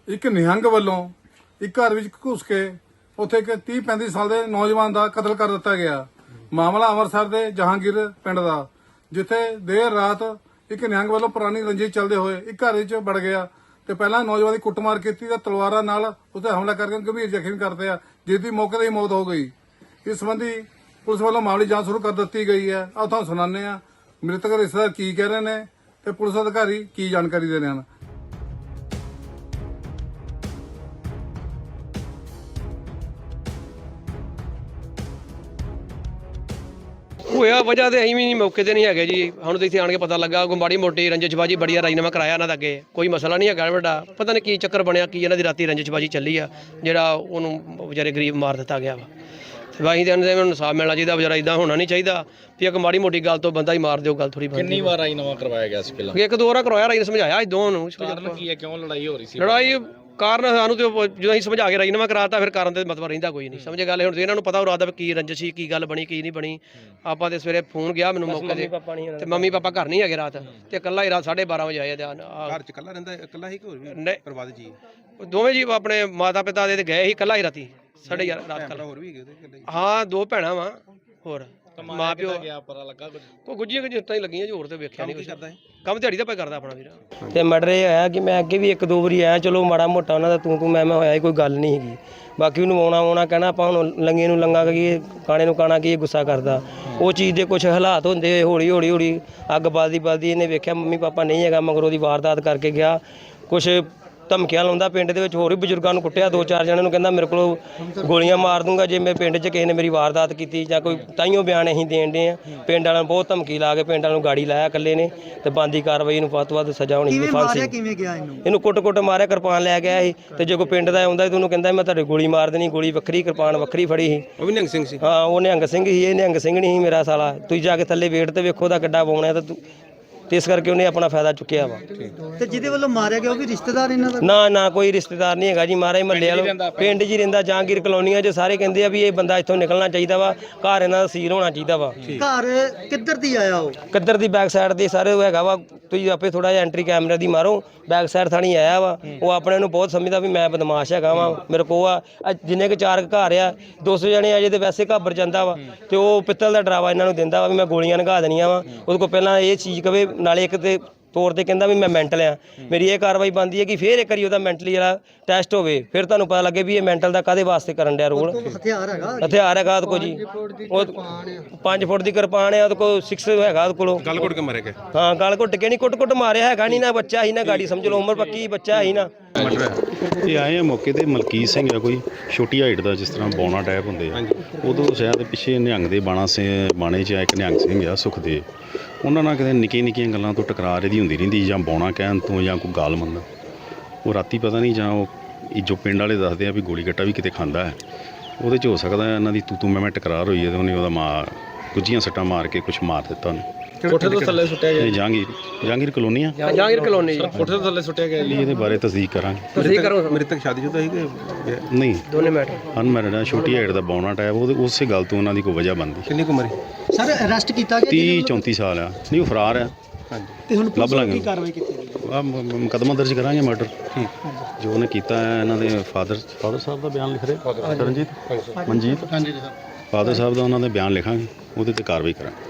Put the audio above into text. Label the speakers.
Speaker 1: ਇੱਕ ਨਿਹੰਗ ਵੱਲੋਂ ਇੱਕ ਘਰ ਵਿੱਚ ਘੁਸ ਕੇ ਉੱਥੇ ਇੱਕ 30-35 ਸਾਲ ਦੇ ਨੌਜਵਾਨ ਦਾ ਕਤਲ ਕਰ ਦਿੱਤਾ ਗਿਆ। ਮਾਮਲਾ ਅੰਮ੍ਰਿਤਸਰ ਦੇ ਜਹਾਂਗੀਰ ਪਿੰਡ ਦਾ, ਜਿੱਥੇ ਦੇਰ ਰਾਤ ਇੱਕ ਨਿਹੰਗ ਵੱਲੋਂ ਪੁਰਾਣੀ ਰੰਜਿਸ਼ ਚੱਲਦੇ ਹੋਏ ਇੱਕ ਘਰ ਵਿੱਚ ਵੜ ਗਿਆ ਤੇ ਪਹਿਲਾਂ ਨੌਜਵਾਨ ਦੀ ਕੁੱਟਮਾਰ ਕੀਤੀ ਤੇ ਤਲਵਾਰਾਂ ਨਾਲ ਉੱਤੇ ਹਮਲਾ ਕਰਕੇ ਗੰਭੀਰ ਜ਼ਖਮੀ ਕਰਦੇ ਆ, ਜਿਸ ਦੀ ਮੌਕੇ ਤੇ ਹੀ ਮੌਤ ਹੋ ਗਈ। ਇਸ ਸੰਬੰਧੀ ਪੁਲਿਸ ਵੱਲੋਂ ਮਾਮਲੇ ਦੀ ਜਾਂਚ ਸ਼ੁਰੂ ਕਰ ਦਿੱਤੀ ਗਈ ਹੈ। ਆਓ ਤੁਹਾਨੂੰ ਸੁਣਾਉਂਦੇ ਆ ਮ੍ਰਿਤਕ ਰਿਸ਼ਤੇਦਾਰ ਕੀ ਕਹਿ ਰਹੇ ਨੇ ਤੇ ਪੁਲਿਸ ਅਧਿਕਾਰੀ ਕੀ ਜਾਣਕਾਰੀ ਦੇ ਰਹੇ ਹਨ।
Speaker 2: ਹੋਇਆ ਵਜ੍ਹਾ ਤੇ ਅਸੀਂ ਵੀ ਮੌਕੇ ਤੇ ਨਹੀਂ ਹੈਗੇ ਜੀ। ਹੁਣ ਤਾਂ ਇੱਥੇ ਆਣ ਕੇ ਪਤਾ ਲੱਗਾ ਕੋਈ ਮਾੜੀ ਮੋਟੀ ਰੰਜਿਸ਼ਬਾਜੀ ਬੜੀ ਆ, ਰਾਜੀਨਾਮਾ ਕਰਾਇਆ ਇਹਨਾਂ ਦਾ ਅੱਗੇ, ਕੋਈ ਮਸਲਾ ਨਹੀਂ ਹੈਗਾ ਵੱਡਾ। ਪਤਾ ਨਹੀਂ ਕੀ ਚੱਕਰ ਬਣਿਆ, ਕੀ ਇਹਨਾਂ ਦੀ ਰਾਤੀ ਰੰਜਿਸ਼ਬਾਜੀ ਚੱਲੀ ਆ ਜਿਹੜਾ ਉਹਨੂੰ ਵਿਚਾਰੇ ਗਰੀਬ ਮਾਰ ਦਿੱਤਾ ਗਿਆ ਵਾ। ਤੇ ਅਸੀਂ ਤਾਂ ਇਹਨਾਂ ਨੂੰ ਇਨਸਾਫ ਮਿਲਣਾ ਚਾਹੀਦਾ, ਵਿਚਾਰਾ ਇਦਾਂ ਹੋਣਾ ਨਹੀਂ ਚਾਹੀਦਾ ਵੀ ਇੱਕ ਮਾੜੀ ਮੋਟੀ ਗੱਲ ਤੋਂ ਬੰਦਾ ਹੀ ਮਾਰ ਦਿਓ, ਗੱਲ ਥੋੜੀ ਬਣਦੀ।
Speaker 3: ਕਿੰਨੀ ਵਾਰ ਰਾਜੀਨਾਮਾ ਕਰਵਾਇਆ ਗਿਆ ਸੀ ਪਹਿਲਾਂ?
Speaker 2: ਇੱਕ ਦੋ ਵਾਰ ਕਰਵਾਇਆ, ਰਾਜੀ ਨੇ ਸਮਝਾਇਆ ਦੋਵਾਂ ਨੂੰ।
Speaker 3: ਕਾਰਨ ਕੀ ਹੈ, ਕਿਉਂ ਲੜਾਈ ਹੋ ਰਹੀ ਸੀ?
Speaker 2: ਲੜਾਈ ਕਾਰਨ ਸਾਨੂੰ ਤੇ ਜਦੋਂ ਅਸੀਂ ਸਮਝਾ ਕੇ ਰਾਜੀਨਾਮਾ ਕਰਾਤਾ ਫਿਰ ਕਾਰਨ ਤੇ ਮਤਲਬ ਰਹਿੰਦਾ ਕੋਈ ਨਹੀਂ। ਸਮਝੇ ਗੱਲ ਹੁਣ ਇਹਨਾਂ ਨੂੰ ਪਤਾ ਹੋ ਰਾਦਾ ਕੀ ਰੰਜਿਸ਼ ਸੀ, ਕੀ ਗੱਲ ਬਣੀ ਕੀ ਨਹੀਂ ਬਣੀ। ਆਪਾਂ ਤੇ ਸਵੇਰੇ ਫੋਨ ਗਿਆ ਮੈਨੂੰ ਮੌਕੇ ਤੇ ਮੰਮੀ ਪਾਪਾ ਘਰ ਨਹੀਂ ਹੈਗੇ ਰਾਤ, ਤੇ ਇਕੱਲਾ ਹੀ ਰਾਤ 12:30 ਵਜੇ ਆਏ।
Speaker 4: ਘਰ ਚ ਇਕੱਲਾ ਰਹਿੰਦਾ? ਇਕੱਲਾ ਹੀ ਕਿ ਹੋਰ ਵੀ ਪਰਿਵਾਰ ਜੀ?
Speaker 2: ਦੋਵੇਂ ਜੀ ਆਪਣੇ ਮਾਤਾ ਪਿਤਾ ਦੇ ਤੇ ਗਏ ਸੀ, ਇਕੱਲਾ ਹੀ ਰਾਤੀ 11:30 ਰਾਤ ਕੱਲ।
Speaker 4: ਹੋਰ ਵੀ ਹੈਗੇ ਉਹਦੇ?
Speaker 2: ਹਾਂ, ਦੋ ਭੈਣਾਂ ਵਾ, ਹੋਰ ਮਾਂ ਪਿਓ
Speaker 3: ਗਿਆ ਪਤਾ ਲੱਗਾ
Speaker 2: ਕੋਈ ਗੁੱਜੀਆਂ ਗੁੱਜੀਆਂ ਹੀ ਲੱਗੀਆਂ ਜੀ, ਹੋਰ ਤੇ ਵੇਖਿਆ ਨਹੀਂ ਕੁਝ। ਕੰਮ ਦਿਹਾੜੀ ਦਾ ਪਾ ਕਰਦਾ ਆਪਣਾ ਵੀਰ।
Speaker 5: ਤੇ ਮਰਡਰ ਇਹ ਹੋਇਆ ਕਿ ਮੈਂ ਅੱਗੇ ਵੀ ਇੱਕ ਦੋ ਵਾਰੀ ਆਇਆ, ਚਲੋ ਮਾੜਾ ਮੋਟਾ ਉਹਨਾਂ ਦਾ ਤੂੰ ਮੈਂ ਹੋਇਆ ਹੀ, ਕੋਈ ਗੱਲ ਨਹੀਂ ਹੈਗੀ। ਬਾਕੀ ਉਹਨੂੰ ਆਉਣਾ ਕਹਿਣਾ ਆਪਾਂ ਹੁਣ ਲੰਗੇ ਨੂੰ ਲੰਗਾ ਕਹੀਏ, ਕਾਣੇ ਨੂੰ ਕਾਣਾ ਕੀ ਗੁੱਸਾ ਕਰਦਾ। ਉਹ ਚੀਜ਼ ਦੇ ਕੁਝ ਹਾਲਾਤ ਹੁੰਦੇ ਹੋਏ ਹੌਲੀ ਅੱਗ ਬਲਦੀ ਇਹਨੇ ਵੇਖਿਆ ਮੰਮੀ ਪਾਪਾ ਨਹੀਂ ਹੈਗਾ, ਮਗਰ ਉਹਦੀ ਵਾਰਦਾਤ ਕਰਕੇ ਗਿਆ। ਕੁਛ ਧਮਕੀਆਂ ਲਾਉਂਦਾ ਪਿੰਡ ਦੇ ਵਿੱਚ, ਹੋਰ ਵੀ ਬਜ਼ੁਰਗਾਂ ਨੂੰ ਕੁੱਟਿਆ, 2-4 ਜਣਿਆਂ ਨੂੰ ਕਹਿੰਦਾ ਮੇਰੇ ਕੋਲ ਗੋਲੀਆਂ ਮਾਰ ਦੂੰਗਾ ਜੇ ਮੇਰੇ ਪਿੰਡ 'ਚ ਕਿਸੇ ਨੇ ਮੇਰੀ ਵਾਰਦਾਤ ਕੀਤੀ ਜਾਂ ਕੋਈ। ਤਾਈਓ ਬਿਆਨ ਅਸੀਂ ਦੇਣ ਦੇ ਆ। ਪਿੰਡ ਵਾਲਿਆਂ ਨੂੰ ਬਹੁਤ ਧਮਕੀ ਲਾ ਕੇ ਪਿੰਡ ਵਾਲਿਆਂ ਨੂੰ ਗਾੜੀ ਲਾਇਆ ਇਕੱਲੇ ਨੇ, ਤੇ ਬੰਦੀ ਕਾਰਵਾਈ ਨੂੰ ਵੱਧ ਤੋਂ ਵੱਧ ਸਜ਼ਾ ਹੋਣੀ ਚਾਹੀਦੀ। ਫਾਂਸੀ
Speaker 6: ਕਿਵੇਂ ਗਿਆ
Speaker 5: ਇਹਨੂੰ ਕੁੱਟ ਮਾਰਿਆ, ਕਿਰਪਾਨ ਲੈ ਗਿਆ ਸੀ। ਤੇ ਜੇ ਕੋਈ ਪਿੰਡ ਦਾ ਆਉਂਦਾ ਉਹਨੂੰ ਕਹਿੰਦਾ ਮੈਂ ਤੁਹਾਡੇ ਗੋਲੀ ਮਾਰ ਦੇਣੀ, ਗੋਲੀ ਵੱਖਰੀ ਕਿਰਪਾਨ ਵੱਖਰੀ ਫੜੀ ਸੀ।
Speaker 4: ਉਹ ਵੀ ਨਿਹੰਗ ਸਿੰਘ ਸੀ?
Speaker 5: ਹਾਂ, ਉਹ ਨਿਹੰਗ ਸਿੰਘ ਸੀ, ਇਹ ਨਿਹੰਗ ਸਿੰਘ ਨਹੀਂ ਸੀ ਮੇਰਾ ਸਾਲਾ। ਤੁਸੀਂ ਜਾ ਕੇ ਥੱਲੇ ਵੇਟ ਤੇ ਵੇਖੋ ਉਹਦਾ ਕਿੱਡਾ ਬੋਣਾ ਤੇ ਇਸ ਕਰਕੇ ਉਹਨੇ ਆਪਣਾ ਫਾਇਦਾ ਚੁੱਕਿਆ ਵਾ।
Speaker 6: ਤੇ ਜਿਹਦੇ ਵੱਲੋਂ ਮਾਰਿਆ ਗਿਆ ਉਹ ਵੀ ਰਿਸ਼ਤੇਦਾਰ ਇਹਨਾਂ ਦਾ?
Speaker 5: ਨਾ ਕੋਈ ਰਿਸ਼ਤੇਦਾਰ ਨਹੀਂ ਹੈਗਾ ਜੀ, ਮਹਾਰਾਜ ਮਹੱਲੇ ਵਾਲਾ ਪਿੰਡ 'ਚ ਹੀ ਰਹਿੰਦਾ, ਜਹਾਂਗੀਰ ਕਲੋਨੀਆਂ 'ਚ। ਸਾਰੇ ਕਹਿੰਦੇ ਆ ਵੀ ਇਹ ਬੰਦਾ ਇੱਥੋਂ ਨਿਕਲਣਾ ਚਾਹੀਦਾ ਵਾ, ਘਰ ਇਹਨਾਂ ਦਾ ਸੀਲ ਹੋਣਾ ਚਾਹੀਦਾ ਵਾ।
Speaker 6: ਘਰ ਕਿੱਧਰ ਦੀ ਆਇਆ ਉਹ?
Speaker 5: ਕਿੱਧਰ ਦੀ ਬੈਕ ਸਾਈਡ ਦੇ ਸਾਰੇ ਉਹ ਹੈਗਾ ਵਾ, ਤੁਸੀਂ ਆਪੇ ਥੋੜਾ ਜਿਹਾ ਐਂਟਰੀ ਕੈਮਰੇ ਦੀ ਮਾਰੋ, ਬੈਕ ਸਾਈਡ ਥਾਣੀ ਆਇਆ ਵਾ। ਉਹ ਆਪਣੇ ਨੂੰ ਬਹੁਤ ਸਮਝਦਾ ਵੀ ਮੈਂ ਬਦਮਾਸ਼ ਹੈਗਾ ਵਾ, ਮੇਰੇ ਕੋਲ ਆ ਜਿੰਨੇ ਕੁ 4 ਘਰ ਆ 200 ਜਣੇ ਆ ਜੇ ਤੇ ਵੈਸੇ ਘਾਬਰ ਜਾਂਦਾ ਵਾ। ਤੇ ਉਹ ਪਿੱਤਲ ਦਾ ਡਰਾਵਾ ਇਹਨਾਂ ਨੂੰ ਦਿੰਦਾ ਵਾ ਵੀ ਮੈਂ ਗੋਲੀਆਂ ਲਗਾ ਦੇਣੀਆਂ ਵਾ। ਉਹਦੇ ਕੋਲ ਪਹਿਲਾਂ ਇਹ ਚੀਜ਼ ਕਵੇ, ਨਾਲੇ ਇੱਕ ਤੇ ਤੌਰ ਤੇ ਕਹਿੰਦਾ ਵੀ ਮੈਂ ਮੈਂਟਲ ਆ। ਮੇਰੀ ਇਹ ਕਾਰਵਾਈ ਬਣਦੀ ਹੈ ਕਿ ਫਿਰ ਇੱਕ ਵਾਰੀ ਉਹਦਾ ਮੈਂਟਲੀ ਜਿਹੜਾ ਟੈਸਟ ਹੋਵੇ, ਫਿਰ ਤੁਹਾਨੂੰ ਪਤਾ ਲੱਗੇ ਵੀ ਇਹ ਮੈਂਟਲ ਦਾ ਕਾਹਦੇ ਵਾਸਤੇ ਕਰਨ ਡਿਆ ਰੋਲ।
Speaker 6: ਹਥਿਆਰ ਹੈਗਾ
Speaker 5: ਉਹਦੇ ਕੋਲ ਜੀ, ਉਹ 5 ਫੁੱਟ ਦੀ ਕਿਰਪਾਨ ਆ ਉਹਦੇ ਕੋਲ, 6 ਹੈਗਾ ਉਹਦੇ ਕੋਲ।
Speaker 4: ਗਲ ਘੁੱਟ ਕੇ ਮਾਰੇ ਗਏ?
Speaker 5: ਹਾਂ, ਗਲ ਘੁੱਟ ਕੇ ਨਹੀਂ, ਕੁੱਟ ਮਾਰਿਆ ਹੈਗਾ ਨਹੀਂ ਨਾ, ਬੱਚਾ ਹੀ ਨਾ ਗਾੜੀ ਸਮਝ ਲਓ, ਉਮਰ ਪੱਕੀ ਬੱਚਾ ਹੀ ਨਾ।
Speaker 7: ਇਹ ਆਏ ਆ ਮੌਕੇ ਤੇ ਮਲਕੀਤ ਸਿੰਘ ਆ, ਕੋਈ ਛੋਟੀ ਹਾਈਟ ਦਾ, ਜਿਸ ਤਰ੍ਹਾਂ ਬੌਣਾ ਟਾਈਪ ਹੁੰਦੇ ਆ। ਉਦੋਂ ਸ਼ਾਇਦ ਪਿੱਛੇ ਨਿਹੰਗ ਦੇ ਬਾਣੇ 'ਚ ਇੱਕ ਨਿਹੰਗ ਸਿੰਘ ਆ ਸੁਖਦੇਵ, ਉਹਨਾਂ ਨਾਲ ਕਿਤੇ ਨਿੱਕੀਆਂ ਗੱਲਾਂ ਤੋਂ ਟਕਰਾਰ ਇਹਦੀ ਹੁੰਦੀ ਰਹਿੰਦੀ, ਜਾਂ ਬੌਣਾ ਕਹਿਣ ਤੋਂ ਜਾਂ ਕੋਈ ਗਾਲ ਮੰਨਦਾ। ਉਹ ਰਾਤੀ ਪਤਾ ਨਹੀਂ, ਜਾਂ ਉਹ ਜੋ ਪਿੰਡ ਵਾਲੇ ਦੱਸਦੇ ਆ ਵੀ ਗੋਲੀ ਗੱਟਾ ਵੀ ਕਿਤੇ ਖਾਂਦਾ ਹੈ, ਉਹਦੇ 'ਚ ਹੋ ਸਕਦਾ ਇਹਨਾਂ ਦੀ ਤੂੰ ਮੈਂ ਟਕਰਾਰ ਹੋਈ ਹੈ ਤੇ ਉਹਨੇ ਉਹਦਾ ਗੁੱਜੀਆਂ ਸੱਟਾਂ ਮਾਰ ਕੇ ਕੁਛ ਮਾਰ ਦਿੱਤਾ ਉਹਨੇ।
Speaker 3: ਕੋਠੇ ਤੋਂ ਥੱਲੇ ਸੁੱਟਿਆ ਗਿਆ?
Speaker 7: ਜਹਾਂਗੀਰ ਕਲੋਨੀ ਆ।
Speaker 2: ਜਹਾਂਗੀਰ ਕਲੋਨੀ ਜੀ।
Speaker 3: ਕੋਠੇ ਤੋਂ ਥੱਲੇ ਸੁੱਟਿਆ ਗਿਆ?
Speaker 7: ਇਹਦੇ ਬਾਰੇ ਤਸਦੀਕ ਕਰਾਂਗੇ।
Speaker 2: ਤੁਸੀਂ ਕਰੋ।
Speaker 4: ਮ੍ਰਿਤਕ ਸ਼ਾਦੀशुदा ਸੀ ਕਿ
Speaker 7: ਨਹੀਂ?
Speaker 2: ਦੋਨੇ ਮੈਟਰ
Speaker 7: ਅਨਮੈਰਿਡ ਆ, ਛੋਟੀ ਹਾਈਟ ਦਾ ਬੌਣਾ ਟਾਈਪ, ਉਹਦੇ ਉਸੇ ਗੱਲ ਤੋਂ ਉਹਨਾਂ ਦੀ ਕੋਈ ਵਜ੍ਹਾ ਬਣਦੀ।
Speaker 4: ਕਿੰਨੀ ਕੁ ਉਮਰ ਹੈ?
Speaker 6: ਸਰ ਅਰੈਸਟ ਕੀਤਾ ਗਿਆ?
Speaker 7: 30-34 ਸਾਲ ਆ। ਨਹੀਂ, ਉਹ ਫਰਾਰ ਆ।
Speaker 4: ਹਾਂਜੀ,
Speaker 6: ਤੇ ਹੁਣ
Speaker 7: ਲੱਭ ਲਾਂਗੇ।
Speaker 6: ਕੀ ਕਾਰਵਾਈ ਕੀਤੀ ਗਈ?
Speaker 7: ਮੁਕੱਦਮਾ ਦਰਜ ਕਰਾਂਗੇ ਮਰਡਰ। ਠੀਕ, ਜੋ ਉਹਨੇ ਕੀਤਾ ਹੈ। ਇਹਨਾਂ ਦੇ ਫਾਦਰ ਸਾਹਿਬ ਦਾ ਬਿਆਨ ਲਿਖ ਰਹੇ, ਰਣਜੀਤ ਮਨਜੀਤ ਫਾਦਰ ਸਾਹਿਬ ਦਾ, ਉਹਨਾਂ ਦੇ ਬਿਆਨ ਲਿਖਾਂਗੇ, ਉਹਦੇ ਤੇ ਕਾਰਵਾਈ ਕਰਾਂਗੇ।